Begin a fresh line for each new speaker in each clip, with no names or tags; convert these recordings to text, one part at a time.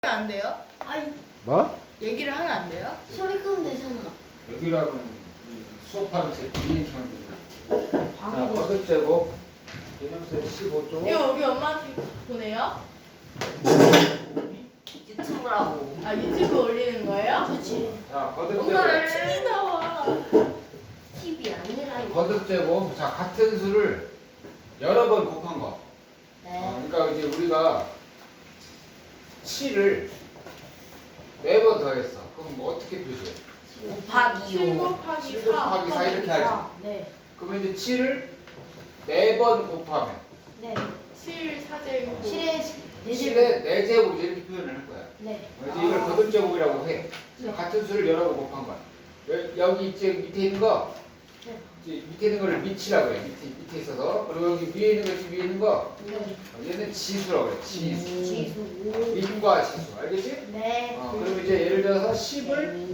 안 돼요?
아니
뭐?
얘기를 하면 안 돼요?
소리 끄면 되잖아.
여기라고는 수업하는 제 비행기 합니다. 자,
방금
거듭제곱 개념수 15조.
이거 여기 엄마한테 보내요?
유튜브라고.
아 유튜브 올리는 거예요?
그렇지.
자,
엄마
거듭제곱.
TV 나와.
TV 아니라 이거.
거듭제곱. 자, 같은 수를 여러 번 곱한 거.
네.
그러니까 이제 우리가 7을 4번 더했어. 그럼 뭐 어떻게 표시해?
곱하기
7
요.
곱하기
7
4
곱하기 4 이렇게 하지.
네.
그러면 이제 7을 4번 곱하면
네.
7 4제곱
7에 4제곱.
7의 4제곱 이렇게 표현을 할 거야.
네.
이제 이걸 거듭제곱이라고 해.
네.
같은 수를 여러 번 곱한 거야. 여기 이제 밑에 있는 거,
네.
이제 밑에 있는 거를 밑이라고 해. 밑에 있어서. 그리고 여기 위에 있는 거, 위에 있는 거,
네.
얘는 지수라고 그래. 지수.
지수.
밑과 지수. 알겠지?
네.
그럼 이제 예를 들어서 10을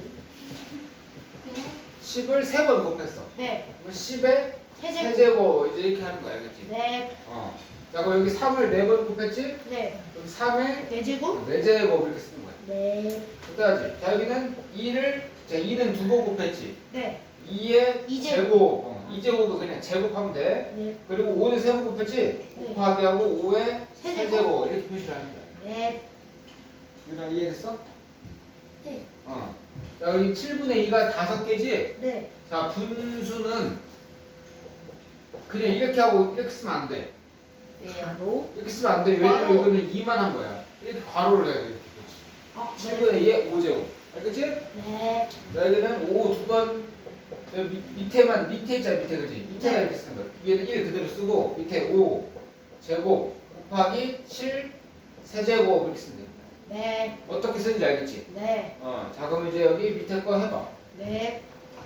3번 곱했어.
네.
그럼 10의
세제곱.
세제곱 이제 이렇게 하는 거야. 알겠지?
네.
자, 그럼 여기 3을 4번 곱했지?
네.
그럼 3의
4제곱.
4제곱 이렇게 쓰는 거야.
네.
그다지. 자, 여기는 2는 2번 곱했지?
네.
2의
이제곱.
제곱. 2제곱도 그냥 제곱하면 돼.
네.
그리고 5는 3번 곱했지?
네.
곱하기 하고 5의
세제곱.
세제곱 이렇게 표시를 하는 거야.
네.
유나 이해됐어?
네.
자, 여기 7분의 2가 5개지?
네.
자, 분수는 그냥 이렇게 하고 이렇게 쓰면 안 돼.
바로.
이렇게 쓰면 안 돼. 왜냐면
괄호.
이거는 2만 한 거야. 이렇게 괄호를 해야 돼. 이렇게. 7분의 2의 5제곱. 알겠지?
네.
자, 여기는 5 두 번. 밑에만, 밑에 있잖아, 밑에, 그지? 밑에가
네.
이렇게 쓰는 거야. 위에는 1 그대로 쓰고, 밑에 5 제곱 곱하기 7 세제곱 이렇게 쓰면 돼.
네.
어떻게 쓰는지 알겠지?
네.
자, 그럼 이제 여기 밑에 거 해봐.
네.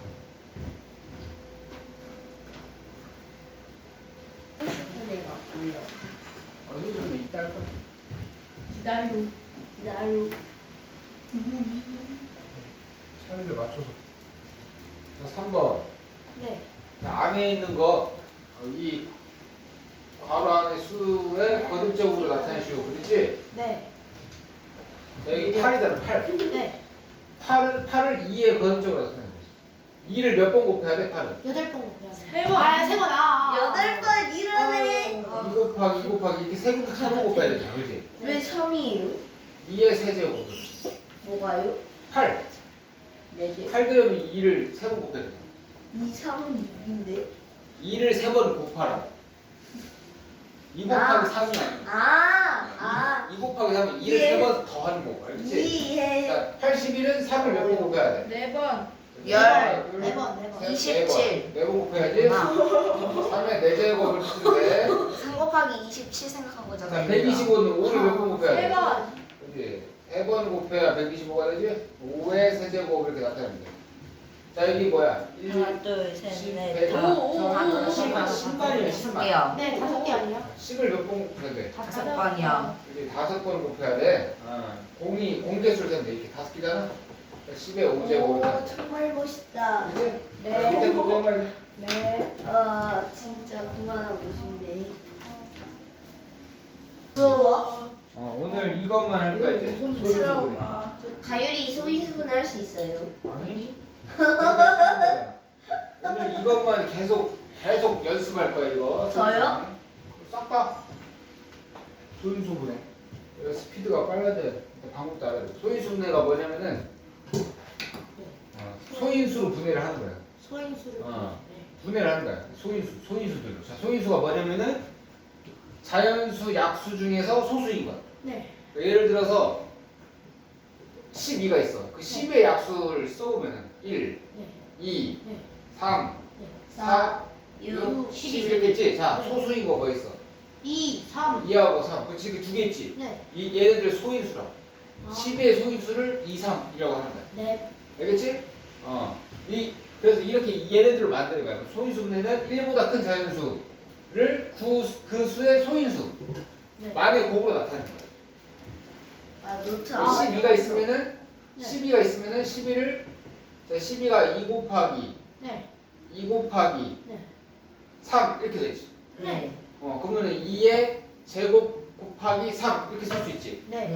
내가 불러.
이거 좀 이따 할 거야.
기다려.
기다려.
차이를 맞춰서. 자, 3번.
네.
안에 있는 거, 이 괄호 안의 수의 거듭적으로 나타내시고, 그렇지?
네.
자, 여기 8이잖아, 8.
네.
8을 2의 거듭적으로 나타내는 거지. 2를 몇 번 곱해야 돼, 8을?
8번 곱해야 돼.
세 번.
아, 3번. 아.
8번 이러네.
2 곱하기 2 곱하기 이렇게 3번 곱해야 되잖아, 그렇지?
왜 3이에요?
2의 세제곱.
뭐가요?
8.
4개.
8 들으면 2를 3번 곱해야 되잖아.
2, 3은 6인데.
2를 3번 곱하라. 2 곱하기 3이 아니야. 2 곱하기 3은 2를
예.
3번 더 하는 거고, 알겠지?
이해.
자, 81은 3을 몇 번 곱해야 돼?
네 번.
네 번.
27.
4번 곱해야지. 3의 4제곱을 쓰는데
3 곱하기 27 생각한
자,
거잖아요.
125는 5를 몇 번 곱해야
세
돼?
번.
그지? 3번 곱해야 125가 되지? 5의 세제곱 이렇게 나타납니다. 자, 여기 뭐야? 1,
하나, 둘, 셋,
10,
넷,
100,
다.
오,
10만이야, 10만.
네, 5개 아니야?
10을 몇 번 곱해야 돼?
5번이요.
그지? 5번 곱해야 돼. 공개수를 세면 돼. 이렇게 5개잖아? 10의 5제곱.
오, 정말 멋있다.
그지?
네.
밑에 정말
네.
진짜 그만하고 싶네.
무서워.
오늘 이것만 할 거야, 이제.
무서워. 다율이 소인수분 할 수 있어요.
아니? 오늘 이것만 계속 연습할 거야 이거.
저요?
싹 다. 소인수분해. 스피드가 빨라져야 돼. 방법도 알아야 돼. 소인수분해가 뭐냐면은 소인수로 분해를 하는 거야.
소인수를.
분해를 하는 거야. 소인수들로. 자, 소인수가 뭐냐면은 자연수, 약수 중에서 소수인 거야.
네.
예를 들어서 12가 있어. 그 10의 약수를 써보면은 1,
네.
2,
네.
3,
네.
4,
6,
6, 10 이렇게 있지? 자,
네.
소수인 거 뭐 있어?
2, 3.
2하고 3. 그치, 그 두 개 있지?
네.
얘네들 소인수라.
아.
10의 소인수를 2, 3이라고 하는 거야.
네.
알겠지? 그래서 이렇게 얘네들을 만드는 거야. 소인수분해는 1보다 큰 자연수를 그 수의 소인수.
네.
만의 곱으로 나타내는 거야.
노트
12가 있으면은
네.
12가 있으면은 11을 12가 2 곱하기
네.
2 곱하기
네.
3 이렇게 되지.
네.
그러면은 2의 제곱 곱하기 3 이렇게 쓸 수 있지.
네.
네.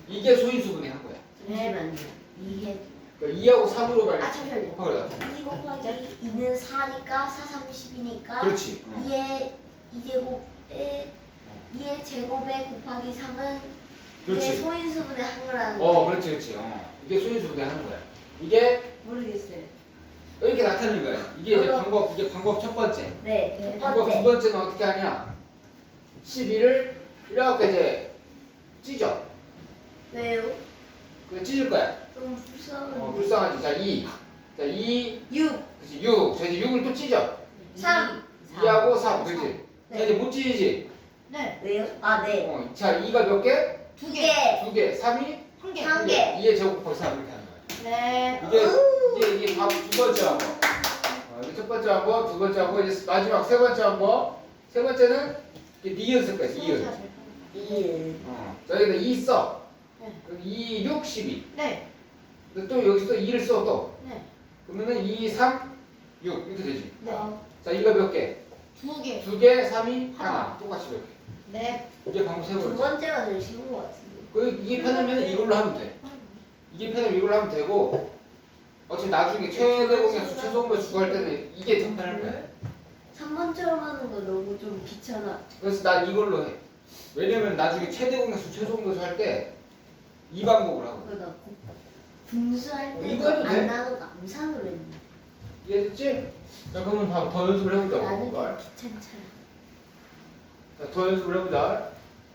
이게 소인수분해 한 거야.
잠시만요. 이게
그러니까 2하고 3으로 말.
아 잠시만요.
곱하기다.
2 곱하기 2는 4니까 4, 30이니까
그렇지.
2의 2제곱에 2의 제곱에 곱하기 3은 이게
그렇지.
소인수분의 한 거라는 거.
그렇지, 그렇지. 이게 소인수분해 하는 거야. 이게
모르겠어요.
이렇게 나타내는 거야. 이게 이제
어려.
이게 방법 첫 번째.
네. 두
방법 두
번째.
번째는 어떻게 하냐? 12를 이렇게 이제 찢어.
왜요?
그 찢을 거야.
좀 불쌍한.
불쌍하지. 자, 2. 자, 2.
6,
그렇지. 6. 자, 이제 6을 또 찢어.
3.
2하고 3. 그렇지. 자,
네.
이제 못 찢지.
네.
왜요? 아, 네.
자, 2가 몇 개?
두
2
개.
개.
2개. 3이?
한 개.
한 개.
2의 제곱 곱하기 3 이렇게 하는 거야.
네.
이게 밥 두 번째 한번. 이게 첫 번째 한번, 두 번째 한번, 이제 마지막 세 번째 한번. 세 번째는 이게 니은쓸 거야. 니은.
2.
자, 여기다 2 써.
네.
그럼 2, 6, 12.
네.
근데 또 여기서 2를 써 또.
네.
그러면은 2, 3, 6 이렇게 되지.
네.
자, 이거 몇 개?
두 개.
2개, 3이 하나. 똑같이 이렇게.
네.
이게 방법 세
두
번째.
번째가 제일 쉬운 것 같은데.
이게 편하면 이걸로 하면 돼. 이게 편하면 이걸로 하면 되고. 어차피 나중에 최대 공약수, 최소 공약수 구할 때는 이게 더 편할 거야.
3번처럼 하는 거 너무 좀 귀찮아.
그래서 난 이걸로 해. 왜냐면 나중에 최대 공약수, 최소 공약수 할 때 이 방법을 하고.
그거 나 분수할
이거
때도
해도 돼?
안 나오고 암산으로 했는데.
이해됐지? 자, 그러면 더 연습을 해보자.
나는 좀 귀찮잖아.
자, 더 연습을 해보자.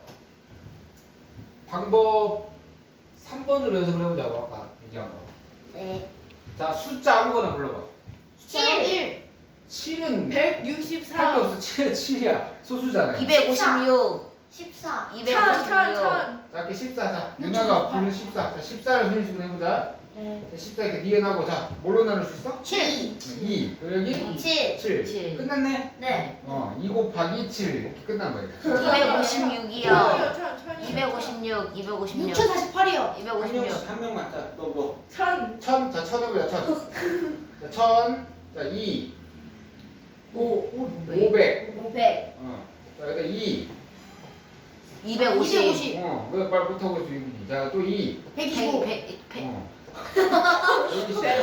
방법 3번으로 연습을 해보자고 아까 얘기한 거.
네.
자, 숫자 아무거나 불러봐.
1.
7은 할 게
164.
없어. 7은 7이야. 소수잖아.
256. 14.
1000, 1000, 1000.
자, 이렇게 14. 자, 누나가 부르는 14. 자, 14를 손님식으로 해보자.
네.
자, 14 이렇게 니은하고 자, 뭘로 나눌 수 있어?
7.
2. 여기
7.
7.
칠.
끝났네?
네.
2 곱하기 7. 이렇게 끝난 거야.
256이요.
256.
256.
6048이요.
256.
한 명만. 자, 너 뭐?
1000.
1000. 자, 1000 해보자. 1000. 자, 1000. 자, 2.
5.
500.
500.
자, 여기다 2.
250.
왜 말 못하고 있어? 자, 또 2.
125.
100.
여기 있어.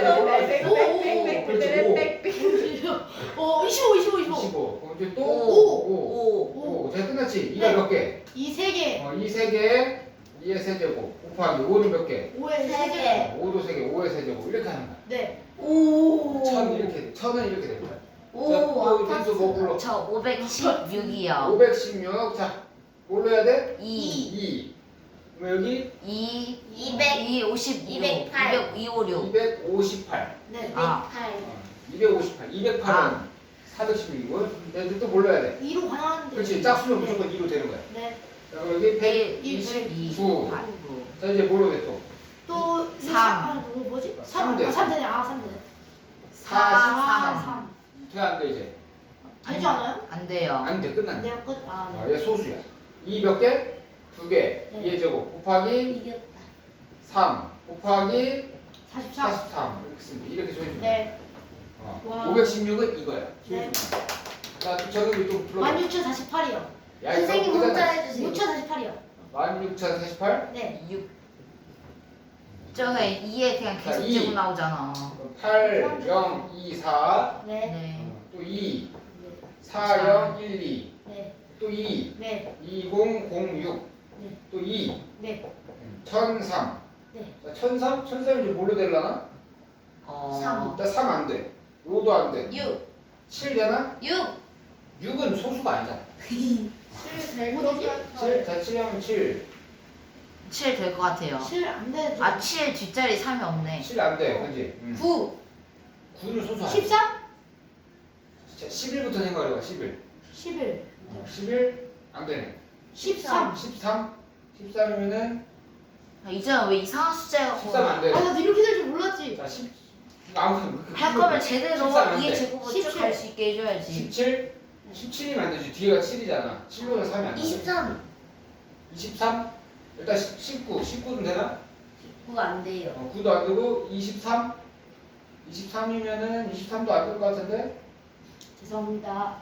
오, 25, 25, 25.
25. 그럼 이제 또
오.
5. 자, 끝났지?
네.
이가 몇 개?
이 세 개.
2 3개, 2의 세제곱. 곱하기 5는 몇 개?
5에
세
세
개.
개.
5도 3개, 5의 세제곱. 이렇게 하는 거야.
네.
오.
1000 이렇게, 1000은 이렇게 되는 거야.
오.
자, 또 변수 뭐 불러?
저 516이요.
516. 자, 뭘로 해야 돼?
2.
2. 그럼 여기
256. 208. 256.
258.
네.
아.
258. 208은
아.
416이고. 근데 또 뭘로 해야 돼?
2로 가능한데.
그렇지. 짝수는
네.
무조건 2로 되는 거야.
네.
자, 그럼 여기
129.
129. 자, 이제 뭘로 돼 또?
또
3.
아, 뭐지?
3
3.
돼.
3 되네. 아, 3 되네.
43.
3.
돼안 돼, 이제?
되지 않아요?
안 돼요.
안 돼. 끝났네.
네, 끝. 아,
아,
네.
얘 소수야. 2 몇 개? 2개.
네.
2의 제곱 곱하기
이겼다.
3 곱하기
44.
43. 이렇게 쓰면 돼. 이렇게 소해주면 돼.
네. 와.
516은 이거야.
네.
자, 저는 좀 불러봐.
16,048이요.
야,
선생님
이거
혼자
보잖아.
해주세요.
6,048이요.
16,048?
네.
6.
저게 2에 그냥
자,
계속
이.
제곱 나오잖아.
8, 0, 2, 4.
네.
네.
또 2,
네.
4, 0, 1, 2.
네.
또 2,
네.
20, 06.
네.
또 2,
네.
1003.
네.
자, 1003? 1003이 이제 뭘로 되려나?
어.
일단 3 안 돼. 5도 안 돼.
6.
7 되나?
6.
6은 소수가 아니잖아.
7
7, 자, 7하면 7.
7 될 것 같아요.
7 안 돼.
아, 7 뒷자리 3이 없네.
7 안 돼. 그지?
9.
9는 소수 아니야.
14?
자, 11부터 생각해봐. 11.
11.
11? 안 되네.
13.
13? 13이면은
아, 이제는 왜 이상한 숫자가
13 안
아,
돼.
나도 이렇게 될 줄 몰랐지.
자, 10. 아무튼
할 거면 제대로
13안 돼.
2의 제곱을
17.
쭉 갈 수 있게 해줘야지.
17? 17이면 안 되지. 뒤에가 7이잖아. 7보다 3이 안 돼.
23.
23? 일단 19. 19는 되나?
9 안 돼요.
9도 안 되고 23? 23이면은 23도 안 될 것 같은데?
죄송합니다.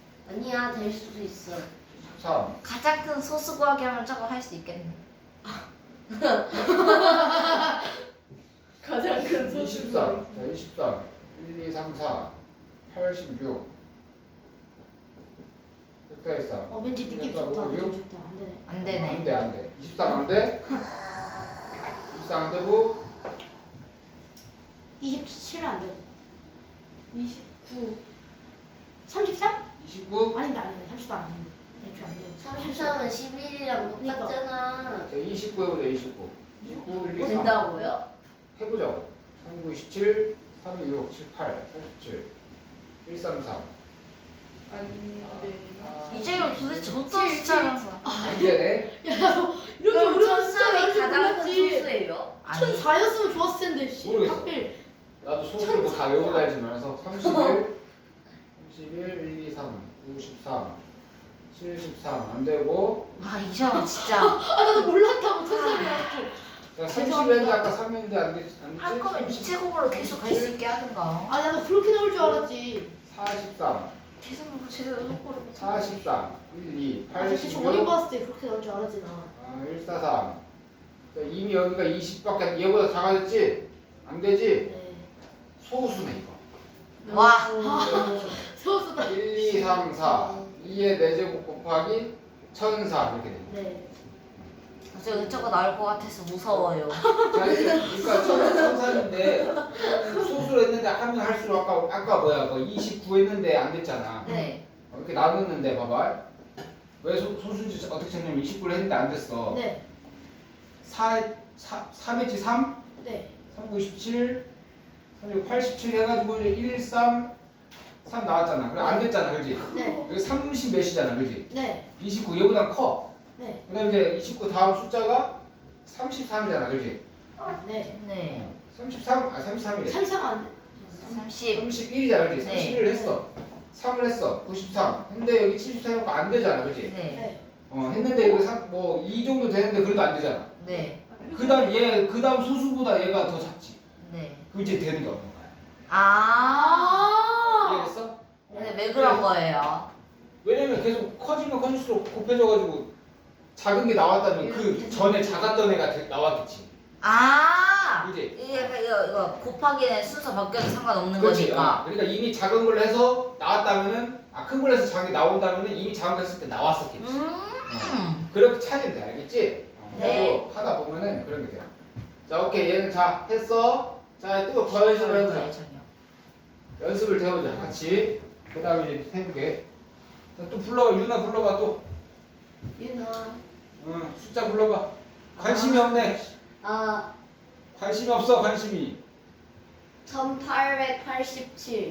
아니야, 될 수도 있어.
13.
가장 큰 소수 구하기 하면 저거 할 수 있겠네.
가장 큰 소수.
23. 자, 23. 1, 2, 3, 4. 86. 됐다 했어.
왠지 느낌 좋다. 느낌 좋다. 안 되네.
안 되네.
안 돼. 23 안 돼? 23 안 되고
27은 안 되고.
29.
33?
29.
아닌데 아닌데 30도 안 되는데. 애초에 안 되고.
33은 11이랑 똑같잖아.
자, 29 해보자. 29. 29, 1, 2, 3.
된다고요?
해보자고. 3, 9, 17, 3, 2, 6, 7, 8, 37, 1, 3, 3.
아닌데.
이재용 도대체 어떤 숫자라서?
안 되네.
야, 너 이렇게
그럼
어려운 숫자
천삼이
나올 줄
가장 큰
몰랐지.
소수예요?
아니
1004였으면 좋았을 텐데. 씨.
모르겠어.
하필.
나도 소수를 뭐다 외우고 다니면서 31, 31, 1, 2, 3, 93, 73. 안 되고.
아 이재용 진짜
아 나도 몰랐다고 천삼이야.
자, 30인데 아까 3인데 안 됐지?
할 거면 이체국으로 계속 갈 수 있게 하든가.
아 나도 그렇게 나올 줄 알았지.
43,
계속 제대로 속고를
43, 1, 2,
아 진짜 저 어린
86,
거 봤을 때 그렇게 나올 줄 알았지 나.
143. 자, 이미 여기가 20밖에 얘보다 작아졌지? 안 되지?
네.
소수네 이거.
와.
아 세웠었다.
1, 2, 3, 4. 2의 4제곱 곱하기 1004 이렇게 됩니다.
네.
저 이쪽가 나올 것 같아서 무서워요.
자, 그러니까 1004인데 소수로 했는데 하면 할수록 아까 뭐야? 29 했는데 안 됐잖아.
네.
이렇게 나눴는데 봐봐. 왜 소수인지 어떻게 찾냐면 29를 했는데 안 됐어.
네.
3했지 3?
네.
3, 97, 87 해가지고 이제 1, 3 나왔잖아. 그래 안 됐잖아, 그렇지?
네.
여기 30 몇이잖아, 그렇지?
네.
29 얘보다 커.
네.
그다음 이제 29 다음 숫자가 33이잖아, 그렇지?
네.
네.
33, 33이래.
삼상 안 돼.
30.
31이잖아, 그렇지?
네.
31을 했어. 3을 했어. 93. 근데 여기 73 해놓고 안 되잖아, 그렇지?
네.
네.
했는데 여기 뭐2 정도 되는데 그래도 안 되잖아.
네.
그다음 소수보다 얘가 더 작지.
네.
그럼 이제 되는 게 없는 거야.
아.
이해했어?
근데 왜 그런 거예요?
왜냐면 계속 커지면 커질수록 곱해져가지고 작은 게 나왔다면 그 전에 작았던 애가 나왔겠지.
아.
그지?
이게 약간 이거 곱하기는 순서 바뀌어도 상관없는
그렇지.
거니까.
그러니까 이미 작은 걸 해서 나왔다면은 큰 걸 해서 작은 게 나온다면은 이미 작은 거 했을 때 나왔었겠지. 그렇게 찾으면 돼, 알겠지?
네.
그리고 하다 보면은 그런 게 돼. 자, 오케이. 얘는 자 했어. 자, 또 더 연습을 해보자. 연습을 더 해보자. 같이. 그 다음에 이제 해볼게. 자, 또 불러봐. 유나 불러봐 또.
유나.
응, 숫자 불러봐. 관심이 없네.
아,
관심이 없어. 관심이.
1887.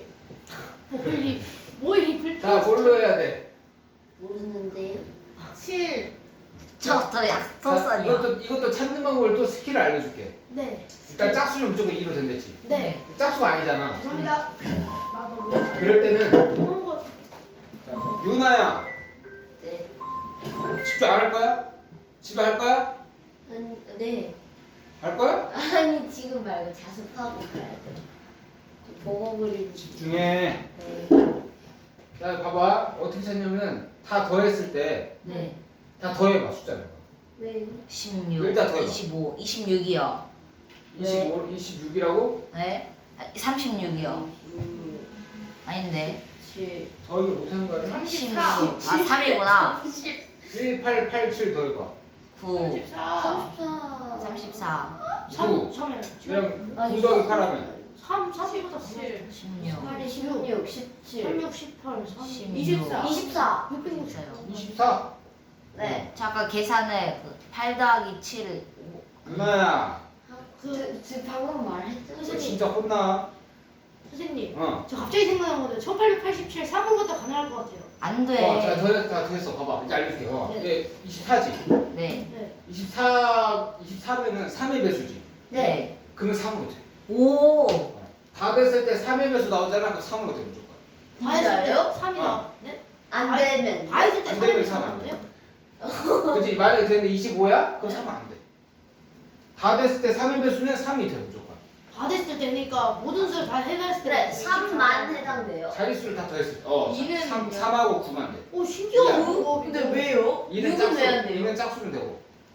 뭐이 불.
자, 뭘로 해야 돼?
모르는데요.
7.
저더
자,
약속선이요.
이것도 찾는 방법을 또 스킬을 알려줄게.
네.
일단 짝수는 무조건 2로 된댔지.
네.
짝수가 아니잖아.
죄송합니다. 나도
그럴 때는
그런 거.
자, 유나야
네.
집중 안 할 거야? 집에 할 거야?
네.
할 거야?
아니, 지금 말고 자습하고 가야죠. 보고 그리고.
집중해.
네.
자, 봐봐. 어떻게 찾냐면 다 더했을 때
네.
다 더해봐 숫자를.
왜요?
16,
일단 더해봐.
25, 26이요.
25, 26이라고?
네? 36이요. 아닌데.
7.
더하기 못하는 거 아니야?
36. 아, 3이구나.
1, 8, 8, 7 더해봐.
9,
34.
34.
34,
9.
3.
그냥 9 더하기 8 하면
3보다
7.
16,
8이 16, 17.
36, 18,
16.
24.
24.
660.
24.
네.
잠깐 계산을 8 더하기 7,
유나야
그 방금 말했죠?
너 진짜 혼나.
선생님.
저
갑자기 생각난 건데 1887 3을 갖다 가능할 것 같아요.
안
자,
돼.
다 됐어. 봐봐. 이제 알려줄게.
네.
이제 24지.
네.
네.
24면은 3의 배수지.
네.
그러면 3으로 돼.
오.
다 됐을 때 3의 배수 나오잖아. 그럼 3으로 돼 무조건.
다 했을 때
진짜요?
3이 나. 네?
안 되면.
다 했을 때
안 되면
3이
삼 안
나왔는데요?
그치? 만약에 되는데 25야? 그럼 3은 안 돼. 다 됐을 때 3의 배수는 3이 돼 무조건.
다 됐을 때니까 모든 수를 다 해놨을 때.
그래, 3만 해당돼요.
자릿수를 다 더했을 때.
이는
3하고 9만 돼.
오 신기하다.
야.
그거.
근데 왜요?
2는
6은 왜 안 돼요?
2는 짝수는 되고.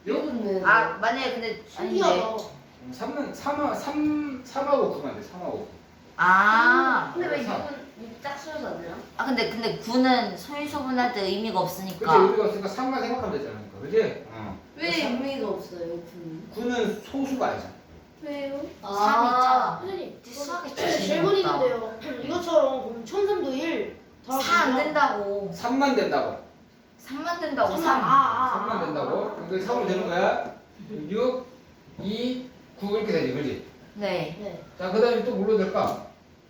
6은
아 만약에 근데 아닌데.
신기하다.
3하고 9만 돼. 3하고 9.
아.
근데 왜
삼.
6은 짝수여서 안 되나?
아 근데 9는 소인소분할 때 의미가
그치
없으니까.
의미가 없으니까 3만 생각하면 되잖아. 그지?
왜 의미가 없어요 9는?
9는 소수가 아니잖아.
왜요?
3 있잖아.
선생님,
수학이
질문 있는데요. 이것처럼 그럼 천삼도 1
4안 된다고.
3만 된다고.
3만 된다고. 3.
3만 된다고. 그러니까 3으로 되는 거야. 6, 2, 9 이렇게 되지. 그지?
네.
네.
자, 그 다음에 또 뭘로 될까?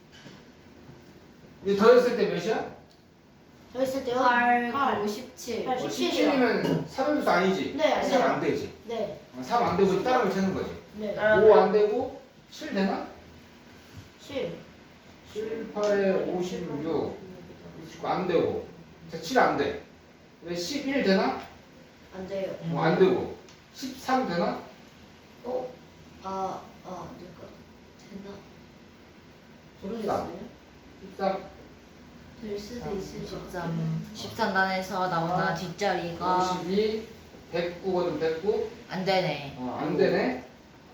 이제 더했을 때 몇이야?
저 있을 때요.
8,
8.
9, 17.
8, 17이요.
17이면 3음수 아니지?
네,
3 안 되지?
네.
3 안 되고 따라을 채는 거지.
네.
5 안 되고 7 되나?
7.
7, 8에 56, 29 안 되고. 자, 7 안 돼. 왜 11 되나?
안 돼요.
안 되고. 13 되나?
누가 되나? 모르겠어요.
13.
될 수도 있을 것 같아요.
13단에서 나오나 뒷자리가
52, 109거든 109.
안 되네.
안 되네.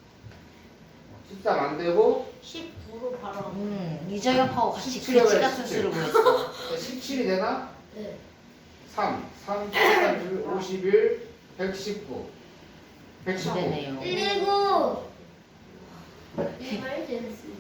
13 안 되고
19로 바로.
이저협하고 같이
17
글씨
해봐요,
같은
17.
수를 구했어.
17이 되나?
네.
3, 3, 31, 51, 119. 119.
안 되네요.
119! 이말 됐어.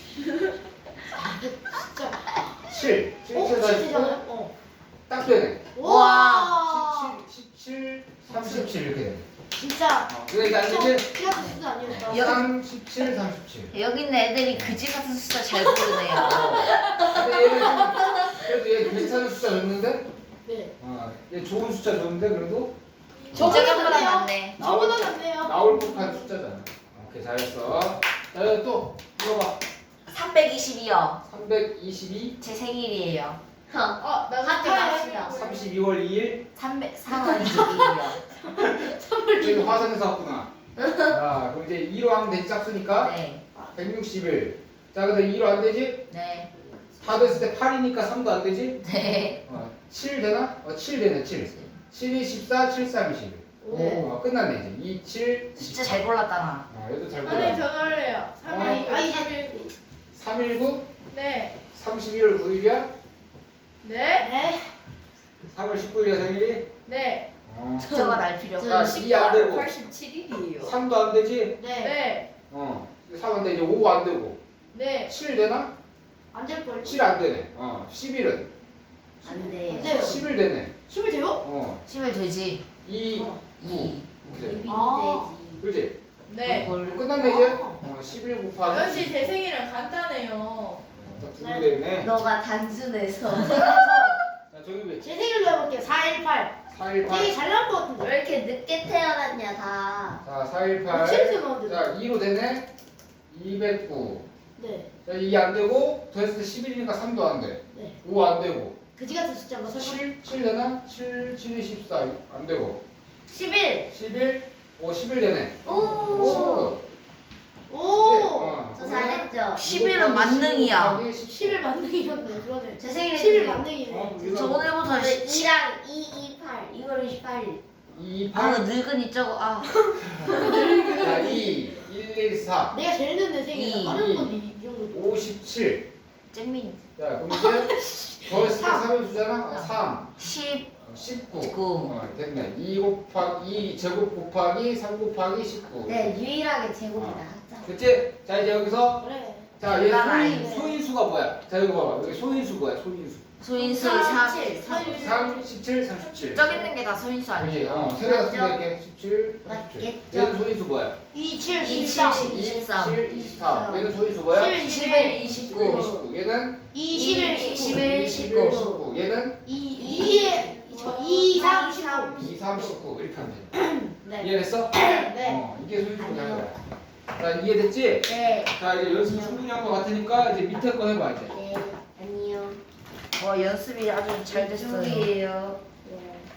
진짜.
7, 7, 7,
7
49.
되잖아요. 어.
딱 되네.
와.
17, 37 이렇게 되네.
진짜.
그러니까 이제
피아노 수도 아니었다.
3, 17, 37.
여기 있는 애들이 그지 같은 숫자 잘 고르네요.
근데 얘는 좀 그래도 얘 괜찮은 숫자 줬는데?
네.
얘 좋은 숫자 줬는데 그래도
저보다
낫네요.
낫네.
저보다 낫네요.
나올 법한 숫자잖아. 오케이 잘했어. 자 여기 또 물어봐.
322요.
322,
제 생일이에요.
나
학교 갑시다.
32월 2일.
322요.
지금 화산에서 왔구나. 자 그럼 이제 2로 하면 되지 짝수니까
네.
161. 자 근데 2로 안 되지?
네.
4 됐을 때 8이니까 3도 안 되지?
네.
7 되나? 7 되네 7. 7이 14, 7, 3, 21.
네.
끝났네 이제. 2, 7,
숫자 잘 골랐다
얘도 잘
아니
골라.
저 할래요. 319.
319,
네.
31월 9일이야?
네.
네.
3월 19일이야 생일이?
네.
숫자가 날 필요가.
자, 2 안 되고
87일이에요.
3도 안 되지?
네.
네.
3 안 돼. 이제 5 안 되고
네.
7 되나?
안 될 걸.
7 안 되네. 11은?
안 돼요.
안 돼요.
11 되네.
10을 돼요?
10을 되지.
2, 9. 그래.
비비
아.
그렇지?
네.
그걸
끝났네 이제? 11 곱하기
역시 제 생일은 간단해요.
두개 되네.
너가 단순해서
자, 저기 왜?
제 생일로 해볼게요. 418.
418.
되게 잘 나올 것 같은데.
왜 이렇게 늦게 태어났냐 다.
자, 418.
7세 나오는데.
자, 2로 되네. 209.
네.
자, 2 안 되고 더했을 때 11이니까 3도 안 돼.
네.
5 안 되고.
그지 같은 숫자인가 설마?
7 되나? 7, 7이 14. 안 되고.
11.
11. 11 되네.
오.
19.
오.
저 잘했죠.
11은 만능이야.
10일 만능이었네. 그러네.
제 생일에
10일 만능이네.
저 오늘부터
2랑 2, 28. 2월 28일.
2,
아
8.
늙은이 저거
자, 2, 1, 1, 4.
내가 제일 늦는 생일이야.
이.
다른 건 이 정도.
57.
잼민
자, 그럼 이제 더했을 때 3을 주잖아. 3.
10
19.
9.
됐네. 2 곱하기 2 제곱 곱하기 3 곱하기 19.
네, 유일하게 제곱이다. 하자.
그치? 자, 이제 여기서
그래.
자, 얘
난
소인수가 뭐야? 자, 이거 봐봐. 여기 소인수 뭐야? 소인수.
소인수
37.
3, 17, 37.
저기 있는 게 다 소인수
아니지?
아니에요?
세 개가 쓰면 이렇게 17, 37.
맞겠죠?
얘는 소인수 뭐야?
27,
27,
24.
23.
7, 24. 얘는 소인수 뭐야?
11,
29.
29. 얘는
21,
21,
21,
19.
19. 얘는
2, 3, 19.
2, 3, 19. 이렇게 하면 돼.
네.
이해됐어?
네.
이게 소인수 되는 거야. 자, 이해됐지?
네.
자, 이제 연습 충분히 한 거 같으니까 이제 밑에 거 해봐, 이제.
네. 안녕.
연습이 아주 잘 됐어요.
준비해요.